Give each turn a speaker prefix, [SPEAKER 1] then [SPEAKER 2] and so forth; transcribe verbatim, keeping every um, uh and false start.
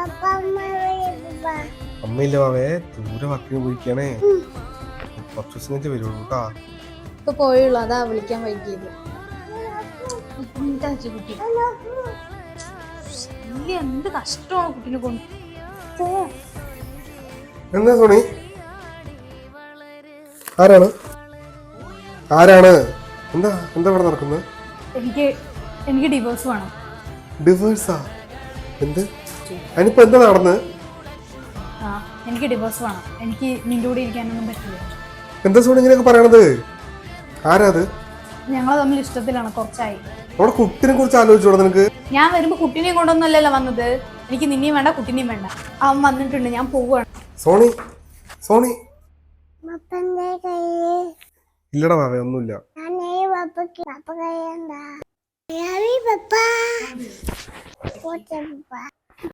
[SPEAKER 1] അമ്മയില്ല വാവേ, ദൂരെ വർക്കിന് പോയിക്കാണേ. കുറച്ച് ദിവസം കഴിഞ്ഞ് വരുള്ളൂ കേട്ടാ.
[SPEAKER 2] ഇപ്പൊ പോയുള്ളൂ, അതാ വിളിക്കാൻ വൈകിയത്. എന്ത് കഷ്ടമാണ് കുട്ടീനെ കൊണ്ട്.
[SPEAKER 1] എന്താ സോണി? ആരാണ് ആരാണ് എന്താ എന്താ ഇവിടെ നടക്കുന്നത്?
[SPEAKER 2] എനിക്ക് എനിക്ക് ഡിവോഴ്സ് വേണം.
[SPEAKER 1] ഡിവോഴ്സാ? എന്ത്? അതിനിപ്പോ എന്താ നടന്നത്?
[SPEAKER 2] ആ എനിക്ക് ഡിവോഴ്സ് വേണം. എനിക്ക് നിന്റെ കൂടെ ഇരിക്കാനൊന്നും പറ്റില്ല.
[SPEAKER 1] എന്താ സോണി ഇങ്ങനെയൊക്കെ പറയണത്? ആരാ അത്?
[SPEAKER 2] ഞങ്ങൾ തമ്മിൽ ഇഷ്ടത്തിലാണ്, കുറച്ചായി.
[SPEAKER 1] നമ്മുടെ കുട്ടിനെ കുറിച്ച് ആലോചിച്ചോടാ നിനക്ക്?
[SPEAKER 2] ഞാൻ വരുമ്പോ കുട്ടീനെയും കൊണ്ടൊന്നുമല്ലല്ലോ വന്നത്. എനിക്ക് നിന്നെയും വേണ്ട കുട്ടീനെയും വേണ്ട. അവൻ വന്നിട്ടുണ്ട്, ഞാൻ പോവുകയാണ്.
[SPEAKER 1] സോണി സോണി ഇല്ലടാ വാവേ, ഒന്നുമില്ല.